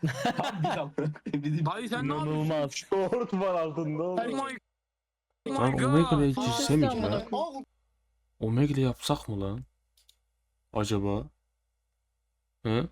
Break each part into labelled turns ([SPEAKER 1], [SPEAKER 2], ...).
[SPEAKER 1] Dayı sen ne yapıyorsun?
[SPEAKER 2] İnanılmaz. Short var altında
[SPEAKER 1] Oh
[SPEAKER 2] oğlum.
[SPEAKER 1] my, oh
[SPEAKER 3] Lan
[SPEAKER 1] my
[SPEAKER 3] Omegle'ye
[SPEAKER 1] god.
[SPEAKER 3] girse mi ki
[SPEAKER 4] amına
[SPEAKER 3] lan?
[SPEAKER 4] koyayım.
[SPEAKER 3] Omegle yapsak mı lan? Acaba? Hı?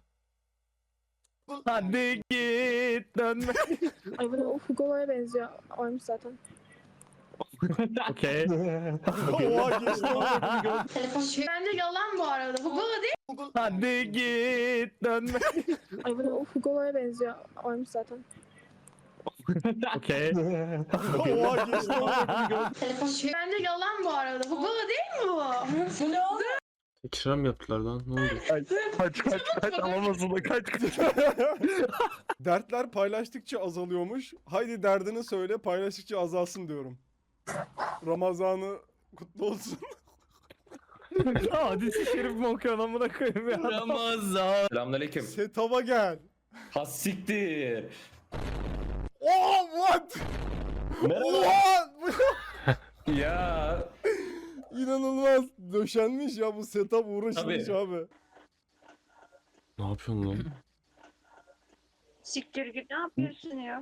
[SPEAKER 2] Hadi git dönme.
[SPEAKER 5] Ay bu o Hugo'ya benziyor. Oymuş zaten.
[SPEAKER 2] Okey.
[SPEAKER 6] Oha geçti oğlum.
[SPEAKER 4] Bence yalan bu arada. Hugo değil.
[SPEAKER 2] Hadi git dönme.
[SPEAKER 5] Ay bu o Hugo'ya benziyor. Oymuş zaten.
[SPEAKER 2] Okey.
[SPEAKER 6] Oha geçti oğlum.
[SPEAKER 4] Bence yalan bu arada. Hugo değil mi bu? Bu ne oldu?
[SPEAKER 3] Tekrar mı yaptılar lan? Ne oldu?
[SPEAKER 2] Kaç alamazsın da kaç.
[SPEAKER 6] Dertler paylaştıkça azalıyormuş. Haydi derdini söyle paylaştıkça azalsın diyorum. Ramazanı kutlu olsun.
[SPEAKER 2] Hadis-i şerif mi okuyorsun amına koyayım ya?
[SPEAKER 7] Ramazan. Selamünaleyküm.
[SPEAKER 6] Setava gel.
[SPEAKER 7] Has siktir.
[SPEAKER 6] Oh what?
[SPEAKER 7] Merhaba.
[SPEAKER 6] Oha!
[SPEAKER 7] Ya.
[SPEAKER 6] İnanılmaz. Döşenmiş ya bu setup uğraşılmış
[SPEAKER 7] Tabii.
[SPEAKER 6] abi.
[SPEAKER 3] Ne yapıyorsun lan?
[SPEAKER 4] Siktir git ne yapıyorsun ya?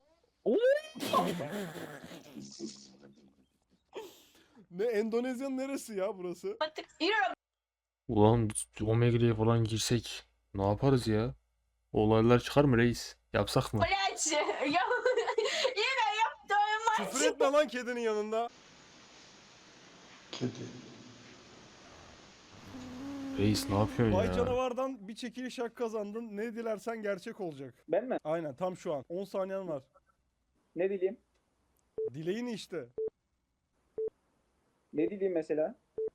[SPEAKER 6] Ne Endonezya'nın neresi ya burası?
[SPEAKER 3] Ulan Omegle'ye falan girsek ne yaparız ya? Olaylar çıkar mı reis? Yapsak mı?
[SPEAKER 6] Küfür etme lan kedinin yanında.
[SPEAKER 3] Reis ne yapıyorsun
[SPEAKER 6] Vay
[SPEAKER 3] ya?
[SPEAKER 6] canavardan bir çekiliş hak kazandın. Ne dilersen gerçek olacak.
[SPEAKER 8] Ben mi?
[SPEAKER 6] Aynen tam şu an. 10 saniyen var.
[SPEAKER 8] Ne dileyim?
[SPEAKER 6] Dileğin işte.
[SPEAKER 8] Ne dileyim mesela?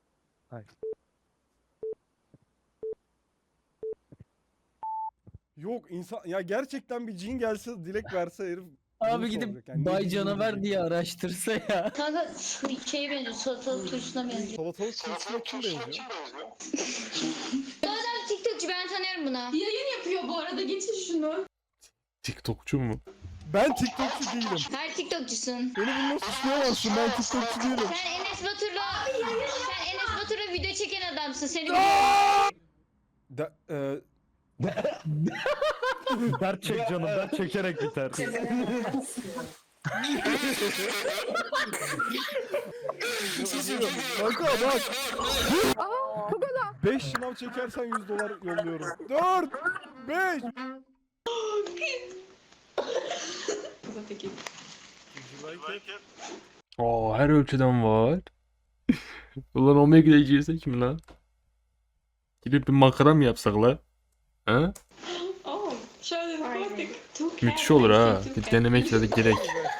[SPEAKER 6] Yok insan ya gerçekten bir cin gelse dilek verse herif
[SPEAKER 7] Abi
[SPEAKER 6] bunu
[SPEAKER 7] gidip
[SPEAKER 6] soracak. Yani ne
[SPEAKER 7] Bay
[SPEAKER 6] bileyim
[SPEAKER 7] Canavar
[SPEAKER 6] diyecek.
[SPEAKER 7] diye araştırsa ya.
[SPEAKER 4] Kanka şeye benziyor. Salatalık turşusuna benziyor.
[SPEAKER 6] Salatalık turşusuna kim benziyor?
[SPEAKER 4] TikTokçu ben tanıyorum bunu. Yayın yapıyor bu arada. Geçin şunu.
[SPEAKER 3] TikTokçu mu?
[SPEAKER 6] Ben TikTokçu değilim.
[SPEAKER 4] Her TikTokçusun.
[SPEAKER 6] Beni bununla suçlayamazsın. Ben TikTokçu değilim.
[SPEAKER 4] Sen Enes Batur'la video çeken adamsın. Seni
[SPEAKER 6] De,
[SPEAKER 2] Dert çek canım, dert çekerek biter.
[SPEAKER 6] kanka bak. 5 şınav çekersen $100 yolluyorum. 4 5
[SPEAKER 3] Aa her ölçüden var. Ulan Omegle'ye girsek mi lan? Gidip bir makara mı yapsak la? Ha? Müthiş olur ha. Bir denemek de gerek.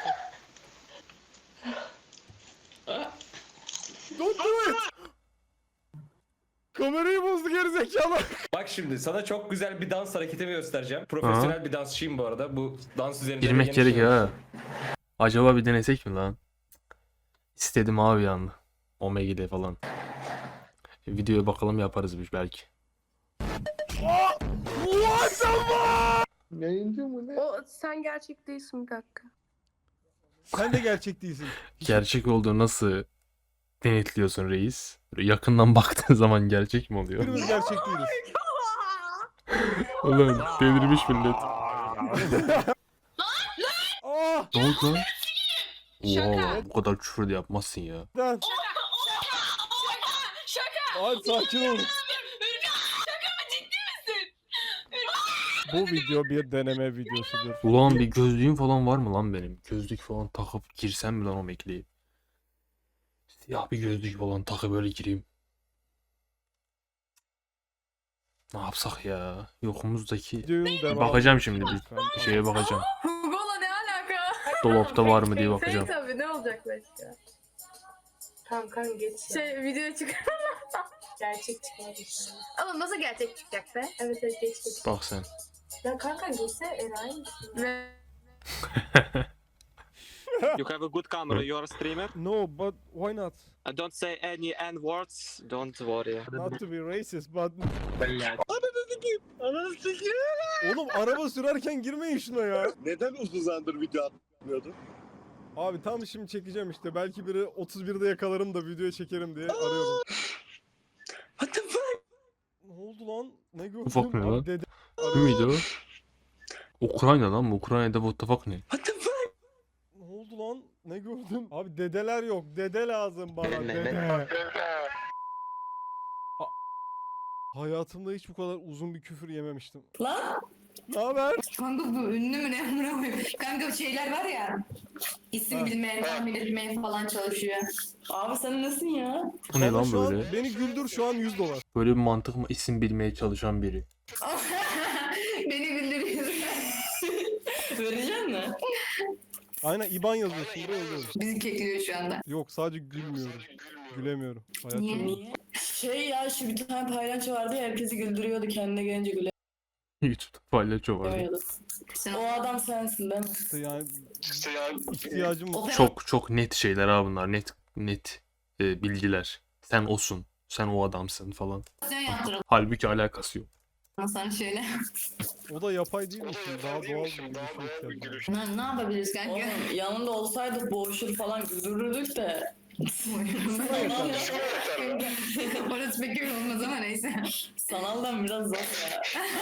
[SPEAKER 6] Don't do it. Kamerayı bozdu gerizekalı.
[SPEAKER 7] Bak şimdi sana çok güzel bir dans hareketimi göstereceğim. Profesyonel bir dansçıyım bu arada. Bu dans üzerinde
[SPEAKER 3] Girmek
[SPEAKER 7] de
[SPEAKER 3] gerek
[SPEAKER 7] yeni
[SPEAKER 3] ha. Acaba bir denesek mi lan? İstedim abi yani. Omegle'de falan. Videoya bakalım yaparız biz belki.
[SPEAKER 5] O sen gerçek değilsin bir dakika.
[SPEAKER 6] Sen de gerçek değilsin.
[SPEAKER 3] Gerçek olduğu nasıl denetliyorsun reis? Böyle yakından baktığın zaman gerçek mi oluyor?
[SPEAKER 6] Birimiz gerçek değiliz.
[SPEAKER 3] Ulan delirmiş millet.
[SPEAKER 6] Ah!
[SPEAKER 3] Ne oldu lan? Oha bu kadar küfür de yapmazsın ya.
[SPEAKER 6] Lan. Ay sakin ol. Bu video bir deneme videosudur.
[SPEAKER 3] Ulan bir gözlüğüm falan var mı lan benim? Gözlük falan takıp girsem mi lan Omegle'ye? Siyah bir gözlük falan takıp böyle gireyim. Ne yapsak ya? Yokumuzdaki...
[SPEAKER 6] Videonun
[SPEAKER 3] Bir
[SPEAKER 6] devamı.
[SPEAKER 3] bakacağım şimdi bir
[SPEAKER 6] Lütfen.
[SPEAKER 3] şeye bakacağım.
[SPEAKER 5] Hugo'la ne alaka?
[SPEAKER 3] Dolapta var mı diye bakacağım.
[SPEAKER 5] Tabii ne olacak başka? Tamam geç ya. Video çıkar. Gerçek çıkar. Ama nasıl gerçek çıkacak be? Evet geç.
[SPEAKER 3] Bak sen.
[SPEAKER 5] Ya kanka geçse enayi misin? Ne?
[SPEAKER 9] You have a good camera, you're a streamer.
[SPEAKER 6] No, but why not?
[SPEAKER 9] Don't say any N words, don't worry.
[SPEAKER 6] Not to be racist, but... Oğlum araba sürerken girmeyin şuna ya.
[SPEAKER 10] Neden uzun zamandır video atmıyordun?
[SPEAKER 6] Abi tam şimdi çekeceğim işte. Belki biri 31'de yakalarım da video çekerim diye arıyorum.
[SPEAKER 10] What the fuck?
[SPEAKER 6] Ne oldu lan? Ne gördüm?
[SPEAKER 3] Ufak ne
[SPEAKER 6] Abi
[SPEAKER 3] lan?
[SPEAKER 6] dede
[SPEAKER 3] Bu muydu o? Ukrayna lan bu. Ukrayna'da what the fuck ne?
[SPEAKER 6] Ne oldu lan? Ne gördüm? Abi dedeler yok. Dede lazım bana.
[SPEAKER 9] Ne?
[SPEAKER 6] Dede. Hayatımda hiç bu kadar uzun bir küfür yememiştim.
[SPEAKER 5] Lan.
[SPEAKER 6] Ne haber?
[SPEAKER 5] Kanka bu ünlü mü ne amına koyayım? Kanka şeyler var ya. İsim
[SPEAKER 6] Ha.
[SPEAKER 5] bilmeye, tahmin etmeye falan çalışıyor. Abi sen nasılsın ya?
[SPEAKER 3] Bu ne
[SPEAKER 6] Bana
[SPEAKER 3] lan
[SPEAKER 6] şu an-
[SPEAKER 3] böyle?
[SPEAKER 6] Beni güldür şu an $100.
[SPEAKER 3] Böyle bir mantık mı? İsim bilmeye çalışan biri.
[SPEAKER 5] Beni güldürüyor. Verecek mi?
[SPEAKER 6] Aynen IBAN yazıyorsun buraya yazıyorum.
[SPEAKER 5] Bizi kekliyor şu anda.
[SPEAKER 6] Yok sadece gülmüyorum. Gülemiyorum. Hayat
[SPEAKER 5] Niye?
[SPEAKER 6] çok-
[SPEAKER 5] Niye? Şey ya şu bir tane paylaş vardı ya herkesi güldürüyordu kendine gelince
[SPEAKER 3] YouTube'da palyaço var.
[SPEAKER 5] gülemiyordu. O adam sensin değil mi?
[SPEAKER 6] İşte yani ihtiyacım
[SPEAKER 5] O
[SPEAKER 3] Çok net şeyler ha bunlar. Net bilgiler. Sen osun. Sen o adamsın falan.
[SPEAKER 5] operasyon yaptıralım
[SPEAKER 3] Halbuki alakası yok.
[SPEAKER 5] sana şöyle.
[SPEAKER 6] O da yapay değil mi şimdi? Daha doğal bir şey ihtiyacım var.
[SPEAKER 5] Ne yapabiliriz kanka? Oğlum, yanında olsaydık boğuşur falan güldürürdük de. Orası pek öyle olmaz ama neyse. Sanaldan biraz zor ya.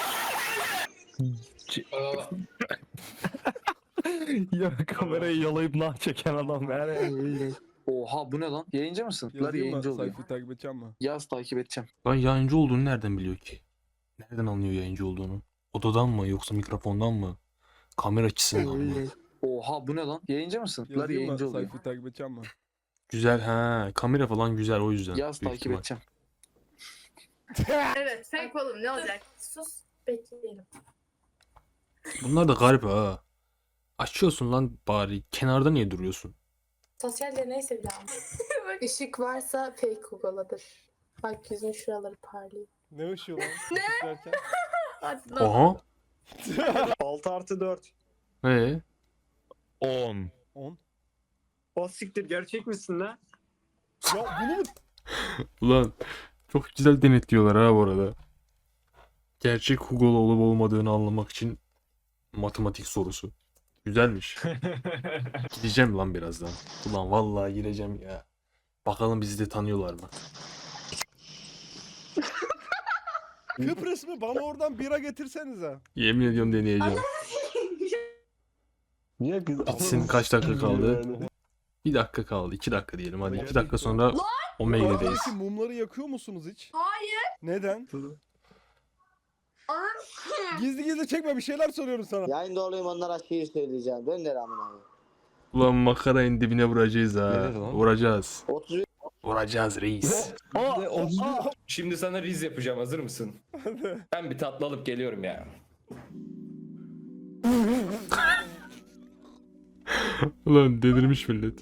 [SPEAKER 2] Ya kamerayı yalayıp nah çeken adam yani.
[SPEAKER 10] Oha bu ne lan? Yayıncı mısın? Lan
[SPEAKER 6] Yazayım mı?
[SPEAKER 10] yayıncı oluyor.
[SPEAKER 6] Sayfayı takip edeceğim mi?
[SPEAKER 10] Yaz takip edeceğim.
[SPEAKER 3] Lan yayıncı olduğunu nereden biliyor ki? Nereden anlıyor yayıncı olduğunu? Odadan mı yoksa mikrofondan mı? Kamera açısından mı?
[SPEAKER 10] Oha bu ne lan? Yayıncı mısın? Lan
[SPEAKER 6] Yazayım mı?
[SPEAKER 10] yayıncı oluyor.
[SPEAKER 6] Sayfayı takip edeceğim mi?
[SPEAKER 3] Güzel ha. Kamera falan güzel o yüzden.
[SPEAKER 10] Yaz
[SPEAKER 3] büyük
[SPEAKER 10] takip
[SPEAKER 3] ihtimal.
[SPEAKER 10] edeceğim.
[SPEAKER 5] Evet fake oğlum ne olacak? Sus bekleyelim.
[SPEAKER 3] Bunlar da garip ha. Açıyorsun lan bari. Kenarda niye duruyorsun?
[SPEAKER 5] Sosyal deneyse bile ama. Işık varsa fake Google'adır. Bak yüzün şuraları parlıyor.
[SPEAKER 6] Ne ışığı lan? Ne?
[SPEAKER 5] Hadi
[SPEAKER 3] Oha.
[SPEAKER 10] 6+4.
[SPEAKER 2] 10.
[SPEAKER 6] 10.
[SPEAKER 10] O siktir gerçek misin lan?
[SPEAKER 6] Ya bunu mu?
[SPEAKER 3] Ulan çok güzel denetliyorlar ha bu arada. Gerçek Hugo'lu olup olmadığını anlamak için matematik sorusu. Güzelmiş. Gideceğim lan birazdan. Ulan vallahi gireceğim ya. Bakalım bizi de tanıyorlar mı?
[SPEAKER 6] Kıbrıs mı? Bana oradan bira getirsenize.
[SPEAKER 3] Yemin ediyorum deneyeceğim.
[SPEAKER 10] Niye kız?
[SPEAKER 3] Bitsin kaç dakika kaldı? 1 dakika kaldı. 2 dakika diyelim hadi. 2 dakika sonra Omega'dayız.
[SPEAKER 6] Aradaki mumları yakıyor musunuz hiç?
[SPEAKER 4] Hayır.
[SPEAKER 6] Neden? Gizli gizli çekme bir şeyler soruyorum sana.
[SPEAKER 10] Yayında olayım onlara şiir söyleyeceğim. Ben de Ramin abi.
[SPEAKER 3] Ulan makarayın dibine vuracağız ha.
[SPEAKER 10] Nedir lan?
[SPEAKER 3] Vuracağız.
[SPEAKER 10] 30
[SPEAKER 3] Vuracağız reis.
[SPEAKER 7] Şimdi sana riz yapacağım. Hazır mısın? Ben bir tatlı alıp geliyorum ya.
[SPEAKER 3] Ulan delirmiş millet.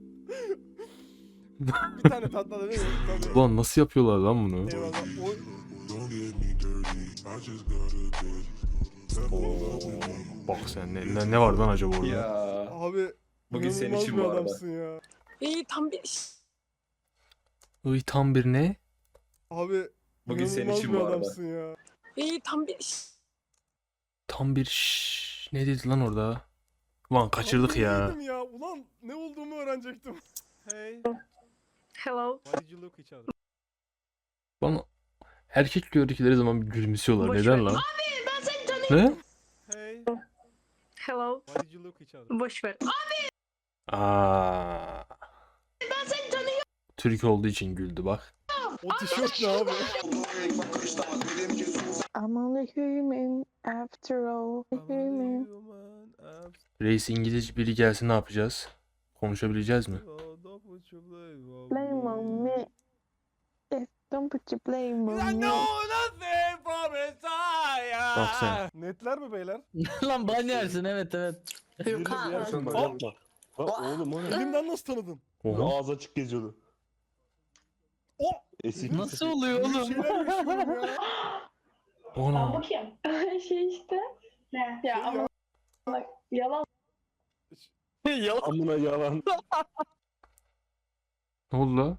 [SPEAKER 6] Bir tane tatlı da değil mi? Tabii.
[SPEAKER 3] Ulan nasıl yapıyorlar lan bunu?
[SPEAKER 6] Eyvallah. Oy.
[SPEAKER 3] Bak sen ne var lan acaba orada?
[SPEAKER 7] Ya.
[SPEAKER 6] Abi
[SPEAKER 7] Bugün senin
[SPEAKER 6] inanılmaz
[SPEAKER 7] için
[SPEAKER 6] bir
[SPEAKER 7] bu arada.
[SPEAKER 6] adamsın ya.
[SPEAKER 5] İyi tam bir
[SPEAKER 3] Iy tam bir ne?
[SPEAKER 6] Abi
[SPEAKER 7] Bugün senin
[SPEAKER 6] inanılmaz
[SPEAKER 7] için
[SPEAKER 6] bir
[SPEAKER 7] bu arada.
[SPEAKER 6] adamsın ya.
[SPEAKER 5] iyi tam bir
[SPEAKER 3] Tam bir ne dedi lan orada? Ulan kaçırdık
[SPEAKER 6] Abi
[SPEAKER 3] ya.
[SPEAKER 6] neydim ya. Ulan ne olduğumu öğrenecektim. Hey.
[SPEAKER 5] hello.
[SPEAKER 6] Why did you look each other?
[SPEAKER 3] Bana erkek gördükleri zaman bir gülümsüyorlar.
[SPEAKER 5] Boş
[SPEAKER 3] Neden
[SPEAKER 5] ver.
[SPEAKER 3] lan?
[SPEAKER 4] Abi ben seni tanıyorum.
[SPEAKER 3] Ne?
[SPEAKER 6] Hey.
[SPEAKER 5] Hello.
[SPEAKER 6] Why did you look each other?
[SPEAKER 5] Boş ver.
[SPEAKER 3] Aa.
[SPEAKER 4] Ben seni tanıyorum.
[SPEAKER 3] Türk olduğu için güldü bak.
[SPEAKER 6] O tişört ne abi?
[SPEAKER 5] I'm only human after all. Human.
[SPEAKER 3] Reis İngilizce biri gelsin ne yapacağız? Konuşabileceğiz mi?
[SPEAKER 5] Blame on me. Yes, don't put your blame on me.
[SPEAKER 3] Bak sen.
[SPEAKER 6] Netler mi beyler?
[SPEAKER 2] Lan ban yersin evet.
[SPEAKER 5] Yok ha.
[SPEAKER 10] Yapma. Oğlum o ne?
[SPEAKER 6] Elimden nasıl tanıdın?
[SPEAKER 3] Oha.
[SPEAKER 10] Ağzı açık geziyordu.
[SPEAKER 6] O!
[SPEAKER 10] Esik.
[SPEAKER 2] Nasıl oluyor
[SPEAKER 6] Böyle
[SPEAKER 2] oğlum?
[SPEAKER 6] şeyler yaşıyorum ya.
[SPEAKER 3] Ona.
[SPEAKER 4] Bakayım. Şey işte. Ne? Ya
[SPEAKER 6] Şey
[SPEAKER 4] ama bak yalan.
[SPEAKER 10] Amına yalan.
[SPEAKER 3] Ne oldu la?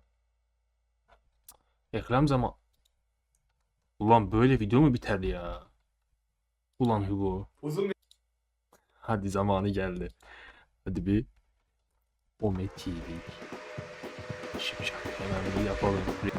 [SPEAKER 3] Reklam zaman. Ulan böyle video mu biter ya? Ulan Hugo.
[SPEAKER 7] Uzun
[SPEAKER 3] Hadi zamanı geldi. Hadi bir Ome TV. Şimdi hemen bir yapalım.